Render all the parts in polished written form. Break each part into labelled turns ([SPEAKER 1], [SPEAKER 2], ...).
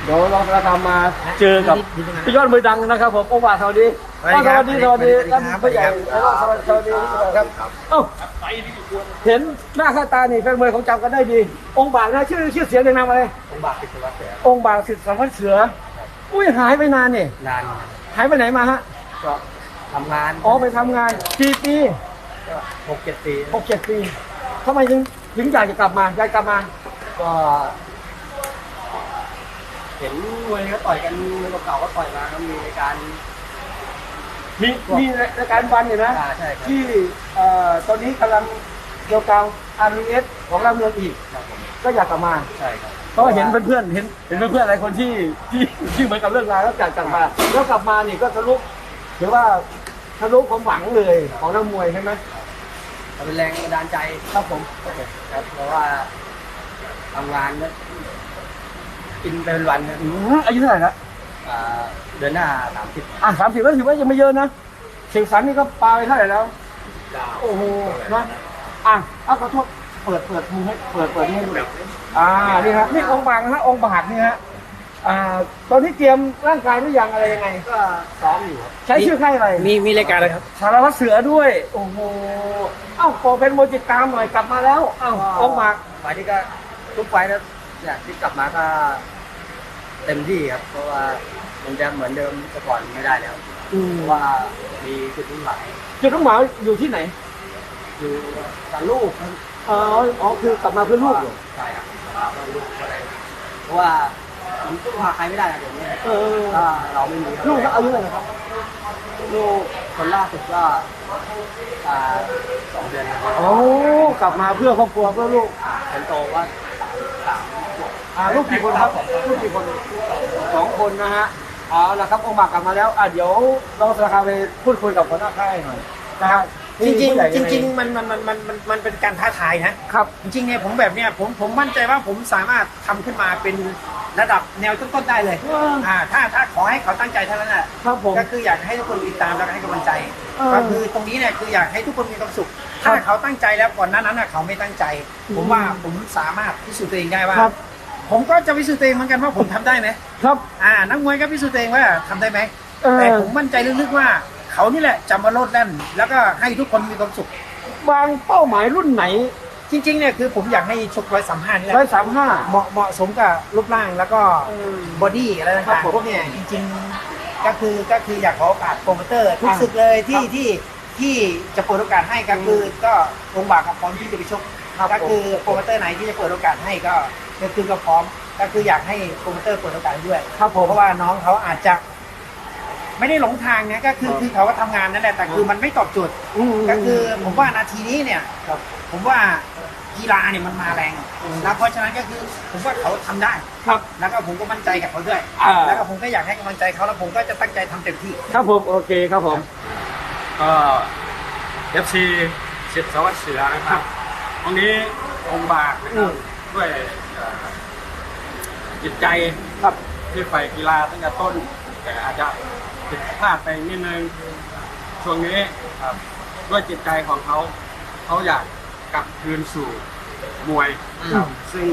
[SPEAKER 1] เดี๋ยวเราจะทำมาเจอกับพี่ยอดมือดังนะครับผมองค์บากสวัสดีสวัสดีท่านผู้ใหญ่แล้วก็สวัสดีครับเอ้าเห็นหน้าค่าตานี่แฟนมวยของจำกันได้ดีองค์บากนะชื่อเสียงในนามอะไร
[SPEAKER 2] องค์บากสิทธิ์สวัสดิ์เสือ
[SPEAKER 1] องค์บากสิทธิ์สวัสดิ์เสืออุ้ยหายไปนานนี่
[SPEAKER 2] นาน
[SPEAKER 1] หายไปไหนมาฮะ
[SPEAKER 2] ก็ทำงาน
[SPEAKER 1] ไปทำงานกี่ปี
[SPEAKER 2] ก็6-7 ปี
[SPEAKER 1] 6-7 ปีทำไมถึงอยากจะกลับมา
[SPEAKER 2] ก็เห็นมวยเขาต่อยกันเก่าๆก็ต่อยมาก็มีในการ
[SPEAKER 1] มีรายการวันอยู่นะ
[SPEAKER 2] ใช่
[SPEAKER 1] ที่ตอนนี้กำลังเกี่ยวกับ RBS ของเราเมืองอีกก็อยากกลับมา
[SPEAKER 2] ใช่ครับ
[SPEAKER 1] เพราะเห็นเพื่อนๆเห็นเพื่อนๆหลายคนที่เหมือนกับเรื่องราวแล้วอยากกลับมาแล้วกลับมานี่ก็ทะลุหรือว่าทะลุความหวังเลยของนักมวยใช่ไหม
[SPEAKER 2] เป็นแรงบันดาลใจ
[SPEAKER 1] ครับผม
[SPEAKER 2] ครับเพราะว่าทำงานก็กินเป็นวันนะ
[SPEAKER 1] อายุเท่าไหร่ละ
[SPEAKER 2] เดือนหน้า30
[SPEAKER 1] 30ก็ถือว่ายังไม่เยอะนะเสียงสันนี่ก็ปาไปเท่าไหร่แล้วโอ้โหนะขอโทษเปิดมือให้เปิดนี่ให้ดูนี่ฮะนี่องค์บากนะฮะองค์บากนี่ฮะตอนนี้เตรียมร่างกายหรือยังอะไรยังไง
[SPEAKER 2] ก็ซ้อมอยู่
[SPEAKER 1] ใช้ชื่อค่ายอะไร
[SPEAKER 2] มีรายการอะไรครับ
[SPEAKER 1] สารวัตรเสือด้วยโอ้โหขอเป็นโมจิตามหน่อยกลับมาแล้วองค์บาก
[SPEAKER 2] ไฟที่ก็ทุกไฟนะเนี่ยที่กลับมาก็เต็มที่ครับเพราะว่ามันจะเหมือนเดิมแต่ก่อนไม่ได้แล้วเพราะว่ามีจุดมุ่งหมาย
[SPEAKER 1] อยู่ที่ไหน
[SPEAKER 2] อยู่กับลูก
[SPEAKER 1] คือกลับมาเพื่อลูก
[SPEAKER 2] ใช่ครับลูกอะไรเพราะว่ามันพึ่งพาใครไม่ได้เดี๋ยวนี้ถ้าเราไม่มี
[SPEAKER 1] ลูกอายุเท่าไหร่ครับ
[SPEAKER 2] ลูกคนล่าสุดก็2 เดือนครับ
[SPEAKER 1] กลับมาเพื่อครอบครัวเพื่อลูก
[SPEAKER 2] คนโตว่า
[SPEAKER 1] ลูกกี่คนครับลูกกี่คน2 คนนะฮะแล้วครับองค์บากกลับมาแล้วเดี๋ยวเราจะพาไปพูดคุยกับคนหน้าค่ายหน่อยนะครับ
[SPEAKER 3] จริงมันเป็นการท้าทายนะครับจริงๆเนี่ยผมแบบเนี้ยผมมั่นใจว่าผมสามารถทำขึ้นมาเป็นระดับแนวต้นๆได้เลยถ้าขอให้เขาตั้งใจเท่านั้นแหละก็คืออยากให้ทุกคนติดตามแล้วก็ให้กำลังใจก็คือตรงนี้เนี่ยคืออยากให้ทุกคนมีความสุขถ้าเขาตั้งใจแล้วก่อนหน้านั้นเขาไม่ตั้งใจผมว่าผมสามารถพิสูจน์ตัวเองได้ว่าผมก็จะพิสูจน์ตัวเองเหมือนกันว่าผมทำได้ไหม
[SPEAKER 1] ครับ
[SPEAKER 3] นักมวยก็พิสูจน์ตัวเองว่าทำได้ไหมแต่ผมมั่นใจลึกๆว่าเขานี่แหละจะมาโลดแล่นแล้วก็ให้ทุกคนมีความสุข
[SPEAKER 1] วางเป้าหมายรุ่นไหน
[SPEAKER 3] จริงๆเนี่ยคือผมอยากให้ชก135นี่แหละ
[SPEAKER 1] 135
[SPEAKER 3] เหมาะสมกับรูปร่างแล้วก็บอดี้อะไรต่างๆพวกเนี่ยจริงๆก็คืออยากขอโอกาสโปรโมเตอร์ทุกศึกเลยที่จะเปิดโอกาสให้ก็คือก็องค์บากพร้อมที่จะไปชกก็คือโปรโมเตอร์ไหนที่จะเปิดโอกาสให้ก็คือก็พร้อมก็คืออยากให้โปรโมเตอร์เปิดโอกาสด้วยเพราะว่าน้องเขาอาจจะไม่ได้หลงทางนะก็คือเขาก็ทำงานนั่นแหละแต่คือมันไม่ตอบโจทย์ก็คือผมว่านาทีนี้เนี่ยผมว่ากีฬาเนี่ยมันมาแรงแล้วเพราะฉะนั้นก็คือผมว่าเขาทำได้
[SPEAKER 1] ครับ
[SPEAKER 3] แล้วก็ผมก็มั่นใจกับเขาด้วยแล้วก็ผมก็อยากให้กำลังใจเขาแล้วผมก็จะตั้งใจทำเต็มที่
[SPEAKER 1] ครับผมโอเคครับผม
[SPEAKER 4] ก็ FC สิทธิ์สวัสดิ์เสือนะครับตรงนี้องค์บากนะครับด้วยจิตใจ
[SPEAKER 1] ครับ
[SPEAKER 4] ที่ใฝ่กีฬาตั้งแต่ต้นแต่อาจจะผิดพลาดไปนิดนึงช่วงนี้ด้วยจิตใจของเขาอยากกลับคืนสู่มวยซึ่ง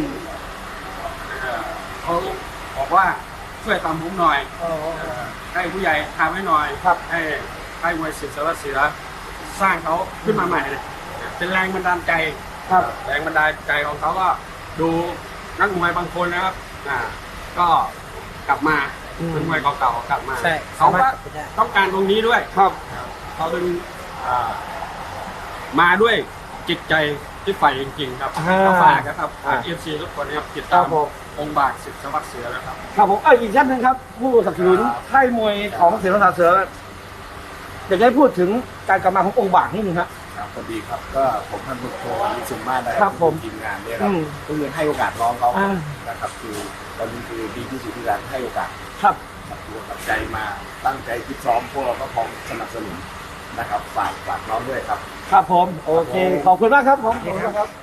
[SPEAKER 4] เขาบอกว่าช่วยตามผมหน่อยให้ผู้ใหญ่ทำให้หน่อยให้มวยสิทธิ์สวัสดิ์เสือสร้างเขาขึ้นมาใหม่เป็นแรงบันดาลใจแรงบันดาลใจของเขาก็ดูนักมวยบางคนนะครับก็กลับมาเป็นมวยเก่าๆกลับมาเขาก็ต้องการตรงนี้ด้วยเขาดึงมาด้วยจิตใจที่ใฝ่จริงๆครับก็ฝากนะครับFC ทุกคนนะครับติดตามองค์บากสิทธิ์สวัสดิ์เสือนะครับ
[SPEAKER 1] ครับผมอีกท่านหนึ่งครับผู้สนับสนุนค่ายมวยของสิทธิ์สวัสดิ์เสืออยากให้พูดถึงการกลับมาขององค์บากนิดนึงครับ
[SPEAKER 5] สวัสดีครับก็ผมท่านผู้ชมนิสุมานะครับทีมงานเนี่ยครับก็คือให้โอกาสน้องเขานะครับคือตอนนี้คือดีที่สุดที่การให้โอกาส
[SPEAKER 1] ครับ
[SPEAKER 5] ตัวกับใจมาตั้งใจคิดซ้อมพวกเราก็พร้อมสนับสนุนนะครับฝากน้องด้วยครับ
[SPEAKER 1] ครับผมโอเคขอบคุณมากครับผม